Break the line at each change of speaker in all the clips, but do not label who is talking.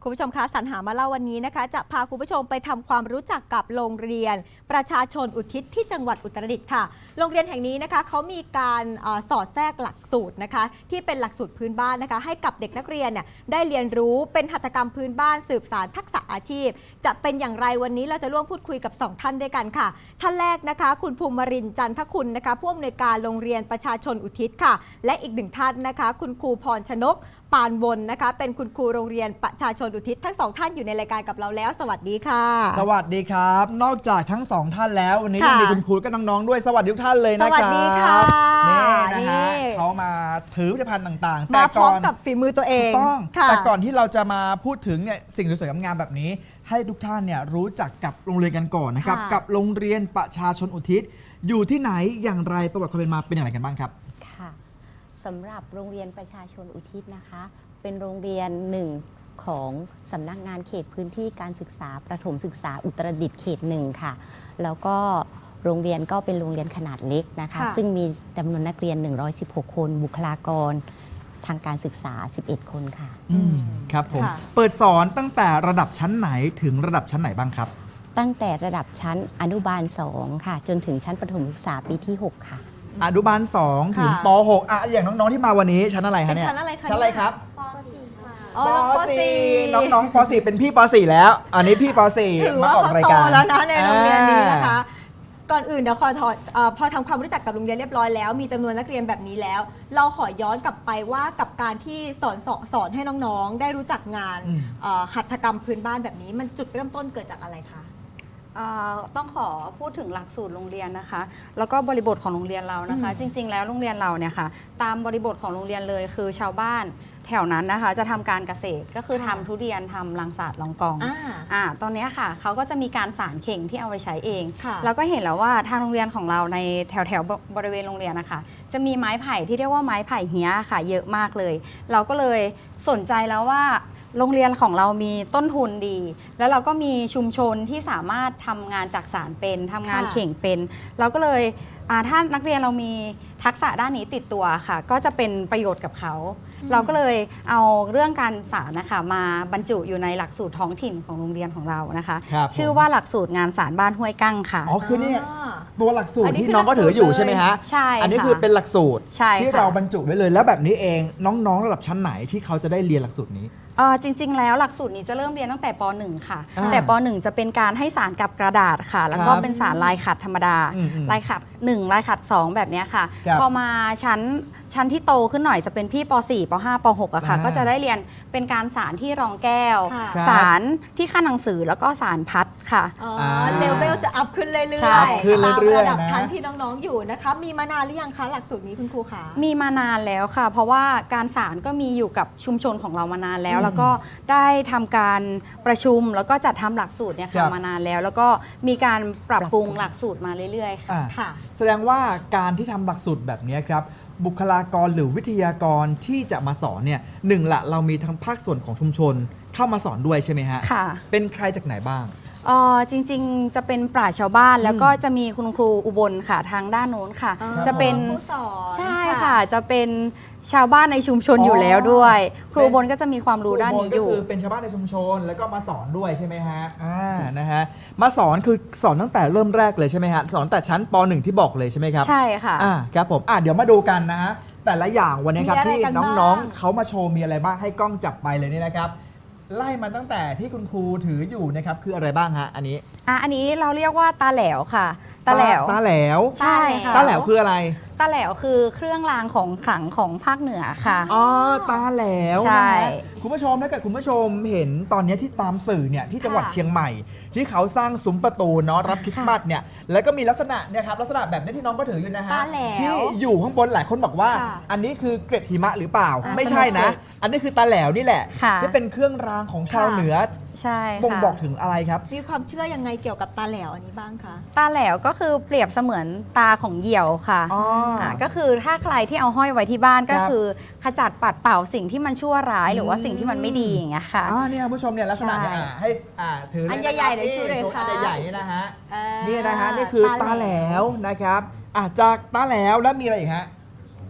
คุณผู้ชมคะสรรหามาเล่าวันนี้นะคะจะพาคุณผู้ชมไปทำความรู้จักกับโรงเรียนประชาชนอุทิศที่จังหวัดอุตรดิตถ์ค่ะโรงเรียนแห่งนี้นะคะเขามีการสอดแทรกหลักสูตรนะคะที่เป็นหลักสูตรพื้นบ้านนะคะให้กับเด็กนักเรียนเนี่ยได้เรียนรู้เป็นหัตถกรรมพื้นบ้านสืบสานทักษะอาชีพจะเป็นอย่างไรวันนี้เราจะร่วมพูดคุยกับ2ท่านด้วยกันค่ะท่านแรกนะคะคุณภูมิรินทร์จันทคุณนะคะผู้อำนวยการโรงเรียนประชาชนอุทิศค่ะและอีกหนึ่งท่านนะคะคุณครูพรชนกปานวนนะคะเป็นคุณครูโรงเรียนประชาชนอุทิศทั้ง2ท่านอยู่ในรายการกับเราแล้วสวัสดีค่ะ
สวัสดีครับนอกจากทั้ง2ท่านแล้ววันนี้ยังมีคุณครูและน้องๆด้วยสวัสดีทุกท่านเลยนะครับ
สวัสดีค่ะ
นี่นะฮะเขามาถือผลิตภัณฑ์ต่างๆ
มาพร้อมกับฝีมือตัวเอง
ต้องแต่ก่อนที่เราจะมาพูดถึงเนี่ยสิ่งสวยๆงามๆแบบนี้ให้ทุกท่านเนี่ยรู้จักกับโรงเรียนกันก่อนนะครับกับโรงเรียนประชาชนอุทิศอยู่ที่ไหนอย่างไรประวัติความเป็นมาเป็นอย่างไรกันบ้างครับ
ค่ะสำหรับโรงเรียนประชาชนอุทิศนะคะเป็นโรงเรียนหนึ่งของสำนักงานเขตพื้นที่การศึกษาประถมศึกษาอุตรดิตถ์เขต1ค่ะแล้วก็โรงเรียนก็เป็นโรงเรียนขนาดเล็กนะคะซึ่งมีจำนวนนักเรียน116คนบุคลากรทางการศึกษา11คนค่ะ
ครับผมเปิดสอนตั้งแต่ระดับชั้นไหนถึงระดับชั้นไหนบ้างครับ
ตั้งแต่ระดับชั้นอนุบาล2ค่ะจนถึงชั้นประถมศึกษาปีที่6ค่ะ
อนุบาล2ถึงป .6 อ่ะอย่างน้องๆที่มาวันนี้ชั้นอะไรคะเนี่ย
ชั้นอะไรคะ
ชั้นอะไรครับ
ป
.4 น้องๆป .4 เป็นพี่ป .4 แล้วอันนี้พี่ป .4 มาออกรายการ
แล้วนะในโรงเรียนนี้นะคะก่อนอื่นเดี๋ยวพอทำความรู้จักกับโรงเรียนเรียบร้อยแล้วมีจำนวนนักเรียนแบบนี้แล้วเราขอย้อนกลับไปว่ากับการที่สอนให้น้องๆได้รู้จักงานหัตถกรรมพื้นบ้านแบบนี้มันจุดเริ่มต้นเกิดจากอะไรคะ
ต้องขอพูดถึงหลักสูตรโรงเรียนนะคะแล้วก็บริบทของโรงเรียนเรานะคะจริงๆแล้วโรงเรียนเราเนี่ยค่ะตามบริบทของโรงเรียนเลยคือชาวบ้านแถวนั้นนะคะจะทำการเกษตรก็คือทำทุเรียนทำรังสาดลองกองตอนนี้ค่ะเขาก็จะมีการสารเข่งที่เอาไปใช้เองแล้วก็เห็นแล้วว่าทางโรงเรียนของเราในแถวบริเวณโรงเรียนนะคะจะมีไม้ไผ่ที่เรียกว่าไม้ไผ่เฮี้ยค่ะเยอะมากเลยเราก็เลยสนใจแล้วว่าโรงเรียนของเรามีต้นทุนดีแล้วเราก็มีชุมชนที่สามารถทำงานจักสานเป็นทำงานเข่งเป็นเราก็เลยถ้านักเรียนเรามีทักษะด้านนี้ติดตัวค่ะก็จะเป็นประโยชน์กับเขาเราก็เลยเอาเรื่องการสารนะคะมาบรรจุอยู่ในหลักสูตรท้องถิ่นของโรงเรียนของเรานะคะชื่อว่าหลักสูตรงานสารบ้านห้วยกั้งค่ะ
อ๋อคือนี่ตัวหลักสูตรที่น้องก็ถืออยู่ใช่ไหมฮะ
ใช่
อันนี้คือเป็นหลักสูตรที่เราบรรจุไว้เลยแล้วแบบนี้เองน้องๆระดับชั้นไหนที่เขาจะได้เรียนหลักสูตรนี้
จริงๆแล้วหลักสูตรนี้จะเริ่มเรียนตั้งแต่ป .1 ค่ะแต่ป .1 จะเป็นการให้สารกับกระดาษค่ะแล้วก็เป็นสารลายขัดธรรมดาลายขัด1ลายขัด2แบบนี้ค่ะพอมาชั้นที่โตขึ้นหน่อยจะเป็นพี่ป .4 ป .5 ป .6 อะค่ะก็จะได้เรียนเป็นการสารที่รองแก้วสารที่ขั้นหนังสือแล้วก็สารพัดค่ะ
เลเวลจะอัพขึ้นเรื่อยๆตามระดับชั้นที่น้องๆอยู่นะคะมีมานานหรือยังคะหลักสูตรนี้คุณครูคะ
มีมานานแล้วค่ะเพราะว่าการสารก็มีอยู่กับชุมชนของเรามานานแล้วแล้วก็ได้ทำการประชุมแล้วก็จัดทำหลักสูตรเนี่ยค่ะมานานแล้วแล้วก็มีการปรับปรุงหลักสูตรมาเรื่อยๆ
ค่ะแสดงว่าการที่ทำหลักสูตรแบบนี้ครับบุคลากรหรือวิทยากรที่จะมาสอนเนี่ยหนึ่งละเรามีทั้งภาคส่วนของชุมชนเข้ามาสอนด้วยใช่ไหมฮะ
ค่ะ
เป็นใครจากไหนบ้าง
จริงๆจะเป็นปราชญ์ชาวบ้านแล้วก็จะมีคุณครูอุบลค่ะทางด้านโน้นค่ะจะเป็น
ผู้สอน
ใช่ค่ะจะเป็นชาวบ้านในชุมชนอยู่แล้วด้วยครูบนก็จะมีความรู้ด้านนี้อยู่
ก็คือเป็นชาวบ้านในชุมชนแล้วก็มาสอนด้วยใช่ไหมฮะนะฮะมาสอนคือสอนตั้งแต่เริ่มแรกเลยใช่ไหมฮะสอนแต่ชั้นป .1 ที่บอกเลยใช่ไหมครับ
ใช่ค่ะ
ครับผมเดี๋ยวมาดูกันนะฮะแต่ละอย่างวันนี้ครับที่น้องๆเขามาโชว์มีอะไรบ้างให้กล้องจับไปเลยนี่นะครับไล่มาตั้งแต่ที่คุณครูถืออยู่นะครับคืออะไรบ้างฮะอัน
นี้เราเรียกว่าตาแหลวค่ะตาแหลว
ใช่ค่ะตาแหลวคืออะไร
ตาแหลวคือเครื่องรางของขลังของภาคเหนือค่ะ
ตาแหลว
ใช่
คุณผู้ชมถ้าเกิดคุณผู้ชมเห็นตอนนี้ที่ตามสื่อเนี่ยที่จังหวัดเชียงใหม่ที่เขาสร้างซุ้มประตูเนาะรับคริสต์มาสเนี่ยแล้วก็มีลักษณะเนี่ยครับลักษณะแบบนี้ที่น้องก็ถืออยู่นะฮะที่อยู่ข้างบนหลายคนบอกว่าอันนี้คือเกล็ดหิมะหรือเปล่าไม่ใช่นะอันนี้คือตาแหลวนี่แหละที่เป็นเครื่องรางของชาวเหนือ
ใช่
บ่งบอกถึงอะไรครับ
มีความเชื่อยังไงเกี่ยวกับตาแหลวอันนี้บ้างคะ
ตาแหลวก็คือเปรียบเสมือนตาของเหยี่ยวค่ะก็คือถ้าใครที่เอาห้อยไว้ที่บ้านก็คือขจัดปัดเป่าสิ่งที่มันชั่วร้ายหรือว่าสิ่งที่มันไม่ดีอย่างเงี้ยค่ะ
เนี่ยผู้ชมเนี่ยลักษณะเนี่ยให้ถือ
อันใหญ่ๆเลยช่วยเลยค่ะ
อันใหญ่ๆนี่นะฮะนี่นะฮะนี่คือตาแหลวนะครับจากตาแหลวแล้วมีอะไรอีกฮะ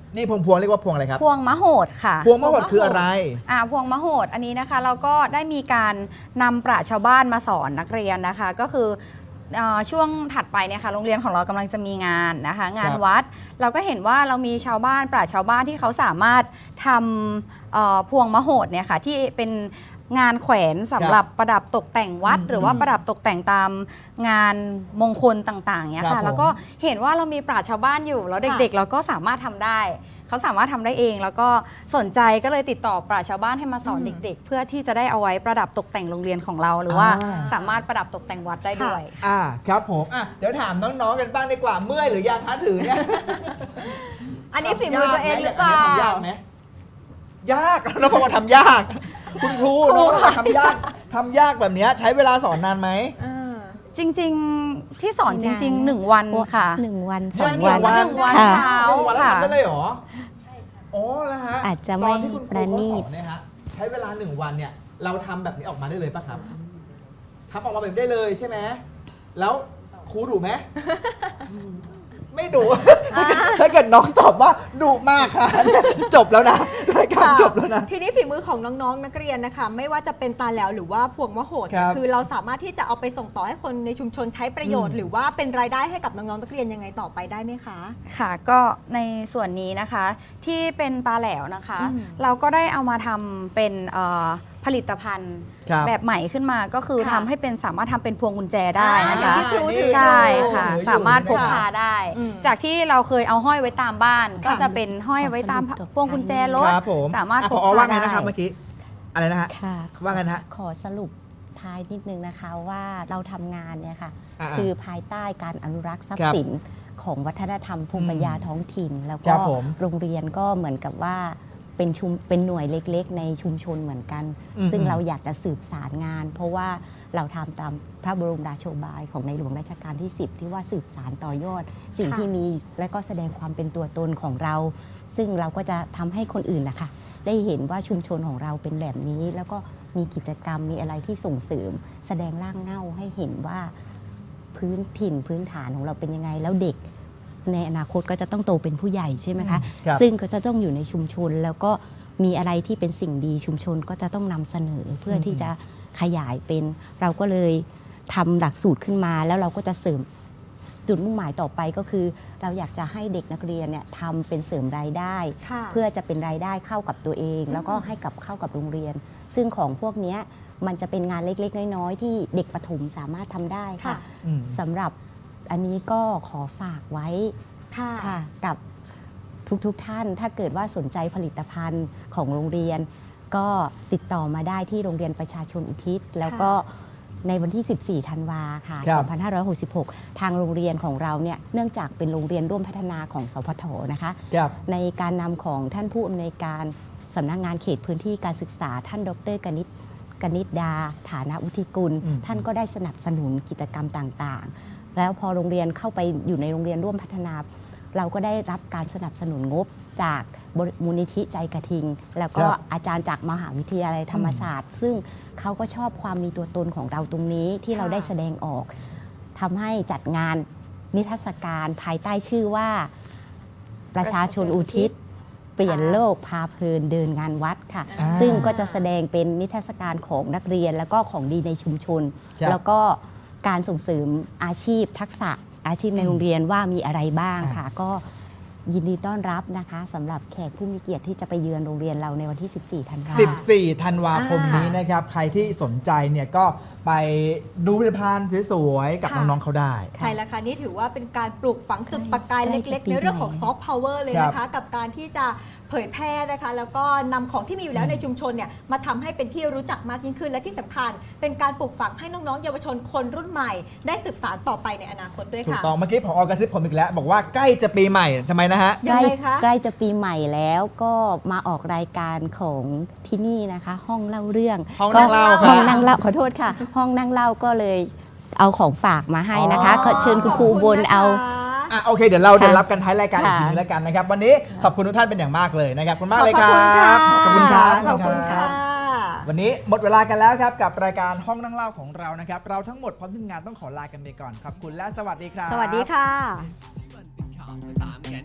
นี่พวงเรียกว่าพวงอะไรครับ
พวงมะโหดค่ะ
พวงมะหดคืออะไร
พวงมะโหดอันนี้นะคะเราก็ได้มีการนำปราชญ์ชาวบ้านมาสอนนักเรียนนะคะ ก็คือช่วงถัดไปเนี่ยค่ะโรงเรียนของเรากำลังจะมีงานนะคะ งานวัด เราก็เห็นว่าเรามีชาวบ้านปราชญ์ชาวบ้านที่เขาสามารถทำพวงมะโหดเนี่ยค่ะที่เป็นงานแขวนสำหรับประดับตกแต่งวัด หรือว่าประดับตกแต่งตามงานมงคลต่างๆเนี่ย
ครั
ค่ะ
บผม
แล้วก็เห็นว่าเรามีปราชญ์ชาวบ้านอยู่แล้วเด็กๆ เราก็สามารถทำได้ เขาสามารถทำได้เองแล้วก็สนใจก็เลยติดต่อปราชญ์ชาวบ้านให้มาสอนเด็ก ๆ เพื่อที่จะได้เอาไว้ประดับตกแต่งโรงเรียนของเรา หรือว่าสามารถประดับตกแต่งวัดได้ด้วย
ครับผมเดี๋ยวถามน้องๆกันบ้างดีกว่าเมื่อยหรือยังคะถือเนี่ย
อันนี้ฝีมือตัวเองหรือเปล่า
ทำยากไหมยากแล้วพอมาทำยาก คุณครูน้องทำยากแบบเนี้ยใช้เวลาสอนนานไหม
จริงๆที่สอนจริงๆ1 วันค่ะ
1 วัน
เดือน
2 วัน
หนึ่งวัน
ค่ะ
เช้า
1 วันแล้ว
ค่ะ
ทำได้เลยเหรอใช่ค่ะอ๋อแล้วฮะ
อาจจะ
ต
ไม่
อนที่คุณครู
ประ
เขา
ณี
ส
ต
อนเนี่ยฮะใช้เวลา1 วันเนี่ยเราทำแบบนี้ออกมาได้เลยป่ะครับทำออกมาแบบได้เลยใช่ไหมแล้วครูดุไหม ไม่ดุ ถ้าเกิดน้องตอบว่าดุมากค่ะ จบแล้วนะรายการจบแล้วนะ
ทีนี้ฝีมือของน้องๆนักเรียนนะคะ ไม่ว่าจะเป็นตาแหลวหรือว่าพวงมะโหด
ครับ
คือเราสามารถที่จะเอาไปส่งต่อให้คนในชุมชนใช้ประโยชน์ หรือว่าเป็นรายได้ให้กับน้องๆนักเรียนยังไงต่อไปได้ไหมคะ
ค่ะก็ในส่วนนี้นะคะที่เป็นตาแหลวนะคะ เราก็ได้เอามาทำเป็นผลิตภัณฑ์
ครับ
แบบใหม่ขึ้นมาก็คือ
ค่ะ
ทำให้เป็นสามารถทำเป็นพวงกุญแจได้นะคะ
ที่ครูถือ
ใช่ค่ะ
ถืออยู่
สามารถพก
นะคะ
พาได้
อืม
จากที่เราเคยเอาห้อยไว้ตามบ้าน ก็จะเป็นห้อยไว้ตาม
ขอสรุป
พวงกุญแจรถ
ครับผม
สามารถพก
ผอ
พา
ว่าไง
ได้
นะครับเมื่อกี้อะไรนะฮะ
ค่ะ
ว่าไงนะฮะ
ขอสรุปท้ายนิดนึงนะคะว่าเราทำงานเนี่ยค่ะ
อ่า
คือภายใต้การอนุรักษ์ทรัพ
ครั
ย์
บ
สินของวัฒนธรรมภูมิปัญญาท้องถิ่น แล้ว
ครั
ก็
บผม
โรงเรียนก็เหมือนกับว่าเป็นหน่วยเล็กๆ ในชุมชนเหมือนกัน
อืม
ซึ่งเราอยากจะสืบสารงาน เพราะว่าเราทำตามพระบรมราโชบายของในหลวงรัชกาลที่ 10 ที่ว่าสืบสารต่อยอด สิ่ง
ค่ะ
ที่มีและก็แสดงความเป็นตัวตนของเรา ซึ่งเราก็จะทำให้คนอื่นนะคะได้เห็นว่าชุมชนของเราเป็นแบบนี้ แล้วก็มีกิจกรรมมีอะไรที่ส่งเสริม แสดงร่างเง่าให้เห็นว่าพื้นถิ่นพื้นฐานของเราเป็นยังไง แล้วเด็กในอนาคตก็จะต้องโตเป็นผู้ใหญ่ใช่ไหมคะ
ครับ
ซึ่งก็จะต้องอยู่ในชุมชน แล้วก็มีอะไรที่เป็นสิ่งดีชุมชนก็จะต้องนำเสนอเพื่อที่จะขยายเป็น เราก็เลยทำหลักสูตรขึ้นมา แล้วเราก็จะเสริมจุดมุ่งหมายต่อไปก็คือ เราอยากจะให้เด็กนักเรียนเนี่ยทำเป็นเสริมรายได้
ค่ะ
เพื่อจะเป็นรายได้เข้ากับตัวเอง แล้วก็ให้กับเข้ากับโรงเรียน ซึ่งของพวกเนี้ยมันจะเป็นงานเล็กๆน้อยๆที่เด็กประถมสามารถทำได้ค่ะ
ค่ะ
อืม
สำหรับอันนี้ก็ขอฝากไว้
ค่ะ
ค่ะกับทุกท่านถ้าเกิดว่าสนใจผลิตภัณฑ์ของโรงเรียน ก็ติดต่อมาได้ที่โรงเรียนประชาชนอุทิศ แล้วก็ในวันที่ 14 ธันวาค่ะ
ครับ
2566 ทางโรงเรียนของเราเนี่ยเนื่องจากเป็นโรงเรียนร่วมพัฒนาของสพทนะคะ
ครับ
ในการนำของท่านผู้อำนวยการสำนักงานเขตพื้นที่การศึกษาท่านดรกนิษดาฐานะวุฒิกุล
อืม
ท่านก็ได้สนับสนุนกิจกรรมต่างๆ แล้วพอโรงเรียนเข้าไปอยู่ในโรงเรียนร่วมพัฒนา เราก็ได้รับการสนับสนุนงบจากมูลนิธิใจกระทิง แล้วก็
ครับ
อาจารย์จากมหาวิทยาลัยธรรมศาสตร์ ซึ่งเขาก็ชอบความมีตัวตนของเราตรงนี้ที่เราได้แสดงออกทำให้จัดงานนิทรรศการภายใต้ชื่อว่าประชาชนอุทิศ เปลี่ยนโลกพาเพลินเดินงานวัดค่ะ
อ่า
ซึ่งก็จะแสดงเป็นนิทรรศการของนักเรียนแล้วก็ของดีในชุมชน
ครับ
แล้วก็การส่งเสริมอาชีพทักษะอาชีพในโรงเรียนว่ามีอะไรบ้างค่ะ ก็ยินดีต้อนรับนะคะสำหรับแขกผู้มีเกียรติที่จะไปเยือนโรงเรียนเราในวันที่ 14 ธันวาคม
14 ธันวาคมนี้นะครับ ใครที่สนใจเนี่ยก็ไปดูผลิตภัณฑ์สวยๆกับ
ค่ะ
น้องๆเขาได้
ใช่แล้วค่ะ นี่ถือว่าเป็นการปลูกฝังจุดประกาย
ใกล้
เล็ก
จะ
ๆ ในเรื่องของ
ปีใหม่
ซอฟต์พาวเวอร์เลยนะคะ กับการที่จะเผยแพร่นะคะ แล้วก็นำของที่มีอยู่แล้วในชุมชนเนี่ยมาทำให้เป็นที่รู้จักมากยิ่งขึ้นและที่สำคัญ เป็นการปลูกฝังให้น้องๆเยาวชนคนรุ่นใหม่ ได้สืบสานต่อไปในอนาคตด้วย
ถูก
ค่ะ
ต้องเมื่อกี้ผอกระซิบผมอีกแล้ว บอกว่าใกล้จะปีใหม่ทำไมนะฮะ
ยังไงคะ
ใกล้จะปีใหม่แล้วก็มาออกรายการของที่นี่นะคะ ห้องเล่าเรื่อง
ห้องนั่งเล่า
ก็
ค่ะ
ห้องนั่งเล่าขอโทษค่ะ ห้องนั่งเล่าก็เลยเอาของฝากมาให้นะคะ
อ๋อ
ขอเชิญคุณครูบนเอา
อ่ะโอเคเดี๋ยวเรา
ค่ะ
เดี๋ยวรับกันท้ายรายการอีก
ค่ะ
ทีนึงแล้วกันนะครับ วันนี้ขอบคุณทุกท่านเป็นอย่างมากเลยนะครับขอบคุณมากเลยค
ข
รั
อบคุณค่ะ
บ
ขอบคุณค่ะ
วันนี้หมดเวลากันแล้วครับกับรายการห้องนั่งเล่าของเรานะครับ เราทั้งหมดพร้อมทีมงานต้องขอลากันไปก่อนขอบคุณและสวัสดีครับ
สวัสดีค่ะ